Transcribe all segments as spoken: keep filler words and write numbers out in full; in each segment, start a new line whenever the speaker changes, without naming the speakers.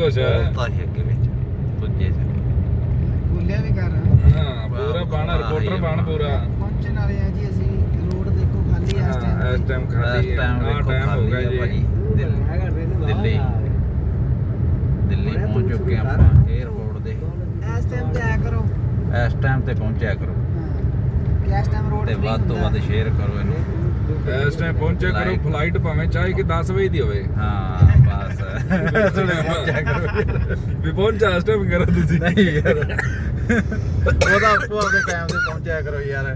ਕੁਛ
ਤਾਂ ਹੀ ਅੱਗੇ ਵਿੱਚ ਪੁੱਜੇ ਚ
ਬੋਲਿਆ ਵੀ ਕਰ
ਹਾਂ ਪੂਰਾ ਬਾਣਾ ਰਿਪੋਰਟਰ ਬਣ ਪੂਰਾ
ਪਹੁੰਚਣ ਵਾਲੇ ਆ ਜੀ ਅਸੀਂ ਰੋਡ ਦੇਖੋ ਖਾਲੀ ਆ ਇਸ ਟਾਈਮ
ਹਾਂ ਇਸ ਟਾਈਮ ਖਾਲੀ
ਇਸ ਟਾਈਮ
ਆ ਟਾਈਮ ਹੋ ਗਿਆ ਜੀ
ਦਿੱਲੀ ਦਿੱਲੀ ਪਹੁੰਚ ਚੁੱਕੇ ਆਪਾਂ 에어ਪੋਰਟ ਦੇ
ਇਸ ਟਾਈਮ ਤੇ ਆਇਆ ਕਰੋ
ਇਸ ਟਾਈਮ ਤੇ ਪਹੁੰਚਿਆ ਕਰੋ
ਕਿ ਇਸ ਟਾਈਮ ਰੋਡ
ਤੇ ਵੱਧ ਤੋਂ ਵੱਧ ਸ਼ੇਅਰ ਕਰੋ ਇਹਨੂੰ
ਇਸ ਟਾਈਮ ਪਹੁੰਚਿਆ ਕਰੋ ਫਲਾਈਟ ਭਾਵੇਂ ਚਾਹੇ ਕਿ ਦਸ ਵਜੇ ਦੀ ਹੋਵੇ
ਹਾਂ ਬਸ ਪਹੁੰਚਿਆ ਕਰੋ
ਵੀ ਪਹੁੰਚਾ ਇਸ ਟਾਈਮ ਕਰੋ ਤੁਸੀਂ
ਨਹੀਂ ਯਾਰ ਉਹਦਾ ਆਪੋ ਆਪਦੇ ਟਾਈਮ ਤੇ ਪਹੁੰਚਿਆ ਕਰੋ ਯਾਰ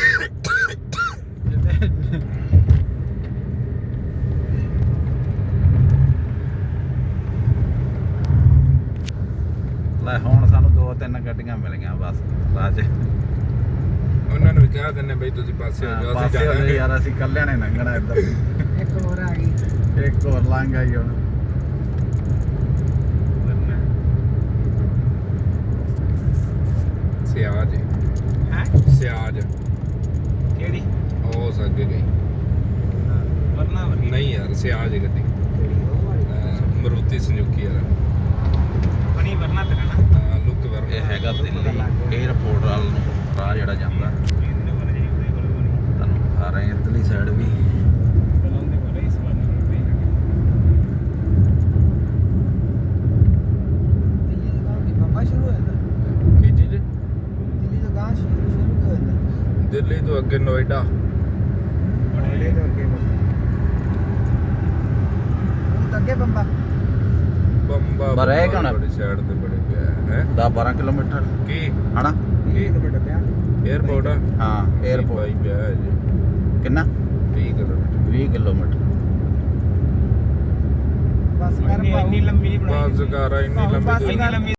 ਲੈ ਹੁਣ ਸਾਨੂੰ ਦੋ ਤਿੰਨ ਗੱਡੀਆਂ ਮਿਲ ਗਈਆਂ ਬਸ ਰਾਜ
ਉਹਨਾਂ ਨੂੰ ਵੀ ਕਹਿ ਦਿੰਨੇ ਬਈ ਤੁਸੀਂ ਪਾਸੇ ਹੋ ਜਾਓ ਅਸੀਂ
ਪਾਸੇ ਹੋ
ਜਾਣਾ
ਜਾਓ ਯਾਰ ਅਸੀਂ ਕੱਲਿਆਂ ਨੇ ਲੰਘਣਾ ਇੱਧਰ
ਇੱਕ ਹੋਰ ਆ ਗਈ
ਇੱਕ ਹੋਰ ਲੰਘ ਆਈ ਹੁਣ
ਸਿਆਜ
ਹੈ
ਸਿਆਜ
ਕਿਹੜੀ
ਉਹ ਸੱਗੇ ਗਈ
ਵਰਨਾ ਵਰਗੀ
ਨਹੀਂ ਯਾਰ ਸਿਆਜ ਗੱਡੀ ਅਹ ਮਰੂਤੀ ਸੰਜੂਕੀ ਵਾਲਾ
ਬਣੀ ਵਰਨਾ ਤੇਰਾ ਨਾ
ਹਾਂ ਲੁੱਕ ਵਰ
ਇਹ ਹੈਗਾ ਦਿੱਲੀ 에어ਪੋਰਟ ਵੱਲ ਨੂੰ ਰਾਹ ਜਿਹੜਾ ਜਾਂਦਾ ਤੁਹਾਨੂੰ ਆ ਰਹੇ ਇੱਧਰਲੀ ਸਾਈਡ ਵੀ
ਦਿੱਲੀ ਤੋਂ ਗਾਂ ਦੀ ਬੰਬਾ ਸ਼ੁਰੂ ਹੋਇਆ ਨਾ
ਕੀ ਚੀਜ਼
ਦਿੱਲੀ ਤੋਂ ਗਾਂ ਸ਼ੁਰੂ ਸ਼ੁਰੂ ਹੋਇਆ ਨਾ
ਦਿੱਲੀ ਤੋਂ ਅੱਗੇ ਨੋਇਡਾ
ਬੜੇ ਤੋਂ ਅੱਗੇ ਉਹ ਅੱਗੇ ਬੰਬਾ
ਬੰਬਾ
ਪਰ ਇਹ ਕਿਉਂ ਨਾ?
ਬੜੀ ਸਾਈਡ ਤੇ ਬੜੇ ਪਿਆ ਹੈ
ਦਸ ਬਾਰਾਂ ਕਿਲੋਮੀਟਰ
ਕੀ
ਹਨਾ
ਕੀ
ਕਿਲੋਮੀਟਰ ਪਿਆ
에어ਪੋਰਟ ਆ
ਹਾਂ 에어ਪੋਰਟ
ਬਾਈ ਪਿਆ ਹੈ ਜੀ
ਕਿੰਨਾ
ਵੀਹ ਕਿਲੋਮੀਟਰ
ਵੀਹ ਕਿਲੋਮੀਟਰ
ਬਸ ਕਰ ਇੰਨੀ ਲੰਮੀ ਨਹੀਂ
ਬਸ ਕਰ ਇੰਨੀ ਲੰਬੀ
ਇੰਨੀ ਲੰਮੀ